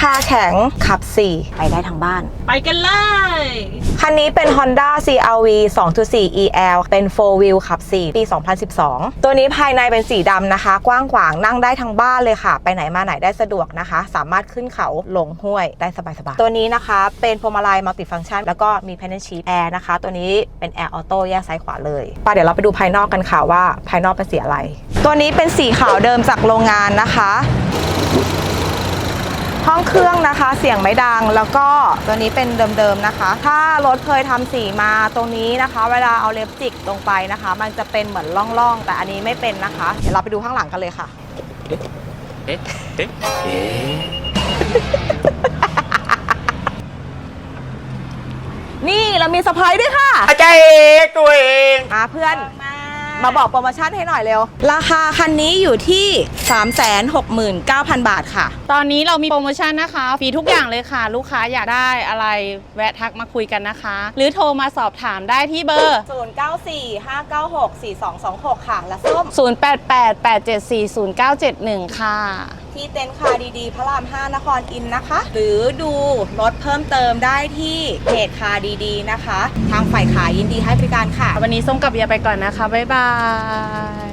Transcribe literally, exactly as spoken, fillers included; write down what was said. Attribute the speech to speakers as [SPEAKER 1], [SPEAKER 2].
[SPEAKER 1] คาแข็งขับสี่ไปได้ทั้งบ้าน
[SPEAKER 2] ไปกันเลย
[SPEAKER 1] คันนี้เป็น Honda ซี อาร์ วี สองจุดสี่ อี แอล เป็น โฟร์ วีล ขับสี่ปี สองพันสิบสอง ตัวนี้ภายในเป็นสีดำนะคะกว้างขวางนั่งได้ทั้งบ้านเลยค่ะไปไหนมาไหนได้สะดวกนะคะสามารถขึ้นเขาลงห้วยได้สบายๆตัวนี้นะคะเป็นพวงมาลัยมัลติฟังก์ชันแล้วก็มี Paddle Shift Air นะคะตัวนี้เป็นแอร์ออโต้แยกซ้ายขวาเลยป่ะเดี๋ยวเราไปดูภายนอกกันค่ะว่าภายนอกเป็นสีอะไรตัวนี้เป็นสีขาวเดิมจากโรงงานนะคะห้องเครื่องนะคะเสียงไม่ดังแล้วก็ตัวนี้เป็นเดิมๆนะคะถ้ารถเคยทำสีมาตรงนี้นะคะเวลาเอาเล็บจิกลงไปนะคะมันจะเป็นเหมือนร่องๆแต่อันนี้ไม่เป็นนะคะเดี๋ยวเราไปดูข้างหลังกันเลยค่ะเอ๊ะเอ๊ะเอ๊ะนี่เรามีเซอร์ไพรส์ด้วยค่ะ
[SPEAKER 3] อาจารย์เอกตัวเอง
[SPEAKER 1] มาเพื่อนมาบอกโปรโมชั่นให้หน่อยเร็วราคาคันนี้อยู่ที่ สามแสนหกหมื่นเก้าพัน บาทค่ะ
[SPEAKER 2] ตอนนี้เรามีโปรโมชั่นนะคะฟรีทุกอย่างเลยค่ะลูกค้าอยากได้อะไรแวะทักมาคุยกันนะคะหรือโทรมาสอบถามได้ที่เบอร์
[SPEAKER 1] ศูนย์ เก้า สี่ ห้า เก้า หก สี่ สอง สอง หกค่ะและส้ม
[SPEAKER 2] ศูนย์ แปด แปด แปด เจ็ด สี่ ศูนย์ เก้า เจ็ด หนึ่งค่ะ
[SPEAKER 1] ที่เต็นท์คาร์ดีๆพระรามห้านครอินทร์นะคะหรือดูรถเพิ่มเติมได้ที่เพจคาร์ดีๆนะคะทางฝ่ายขายยินดีให้บริการค่ะ
[SPEAKER 2] วันนี้ส้มกับเบียร์ไปก่อนนะคะบ๊ายบาย